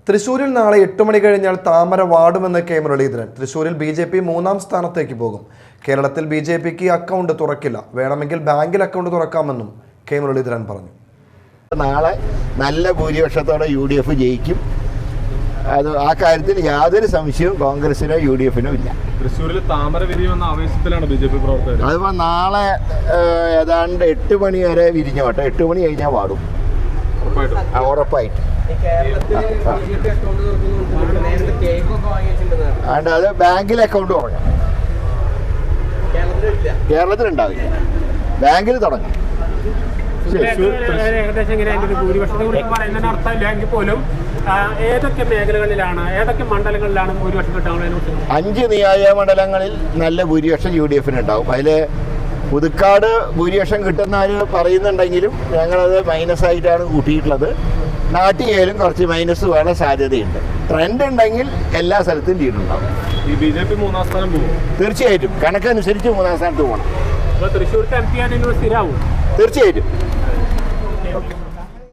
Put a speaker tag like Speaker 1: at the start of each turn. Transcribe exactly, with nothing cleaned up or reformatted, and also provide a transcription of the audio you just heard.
Speaker 1: തൃശൂരിൽ നാളെ എട്ട് മണി കഴിഞ്ഞാൽ താമര വാടുമെന്ന് കെ മുരളീധരൻ. തൃശൂരിൽ ബി ജെ പി മൂന്നാം സ്ഥാനത്തേക്ക് പോകും. കേരളത്തിൽ ബി ജെ പിക്ക് അക്കൗണ്ട് തുറക്കില്ല, വേണമെങ്കിൽ ബാങ്കിൽ അക്കൗണ്ട് തുറക്കാമെന്നും കെ മുരളീധരൻ പറഞ്ഞു.
Speaker 2: നാളെ നല്ല ഭൂരിപക്ഷത്തോടെ യു ഡി എഫ് ജയിക്കും. അത് ആ കാര്യത്തിൽ യാതൊരു സംശയവും കോൺഗ്രസിനോ യു ഡി എഫിനോ ഇല്ല.
Speaker 3: തൃശ്ശൂരിൽ താമര വിരിയുമെന്ന ആവേശത്തിലാണ് ബി ജെ പി പ്രവർത്തകർ.
Speaker 2: അതിപ്പോൾ നാളെ ഏതാണ്ട് എട്ട് മണി വരെ വിരിഞ്ഞോട്ടെ, എട്ട് മണി കഴിഞ്ഞാൽ വാടും ഉറപ്പായിട്ട്. അതുകൊണ്ട് അത് ബാങ്കിൽ അക്കൗണ്ട് തുടങ്ങാം. കേരളത്തിലുണ്ടാവില്ല, ബാങ്കിൽ തുടങ്ങാം.
Speaker 4: ഏകദേശം ഇങ്ങനെ അതിന്റെ ഒരു ഭൂരിപക്ഷത്തെ കുറിച്ച് പറയുന്നതിന് അർത്ഥമില്ലെങ്കിൽ പോലും ഏതൊക്കെ മേഖലകളിലാണ്, ഏതൊക്കെ മണ്ഡലങ്ങളിലാണ് ഭൂരിപക്ഷം കിട്ടാനുള്ളത്?
Speaker 2: അഞ്ച് നിയോജക മണ്ഡലങ്ങളിൽ നല്ല ഭൂരിപക്ഷം യു ഡി എഫിന് ഉണ്ടാവും. അതിൽ പുതുക്കാട് ഭൂരിപക്ഷം കിട്ടുന്നവർ പറയുന്നുണ്ടെങ്കിലും ഞങ്ങളത് മൈനസ് ആയിട്ടാണ് കൂട്ടിയിട്ടുള്ളത്. നാട്ടികയിലും കുറച്ച് മൈനസ് വേണ സാധ്യതയുണ്ട്. ട്രെൻഡ് ഉണ്ടെങ്കിൽ എല്ലാ സ്ഥലത്തും ലീഡുണ്ടാവും.
Speaker 3: ഈ ബി ജെ പി മൂന്നാം സ്ഥാനം പോകും
Speaker 2: തീർച്ചയായിട്ടും. കണക്കനുസരിച്ച് മൂന്നാം സ്ഥാനത്ത് പോകണം.
Speaker 4: തൃശ്ശൂർ എം പി ആണെങ്കിൽ സ്ഥിരമാവും
Speaker 2: തീർച്ചയായിട്ടും.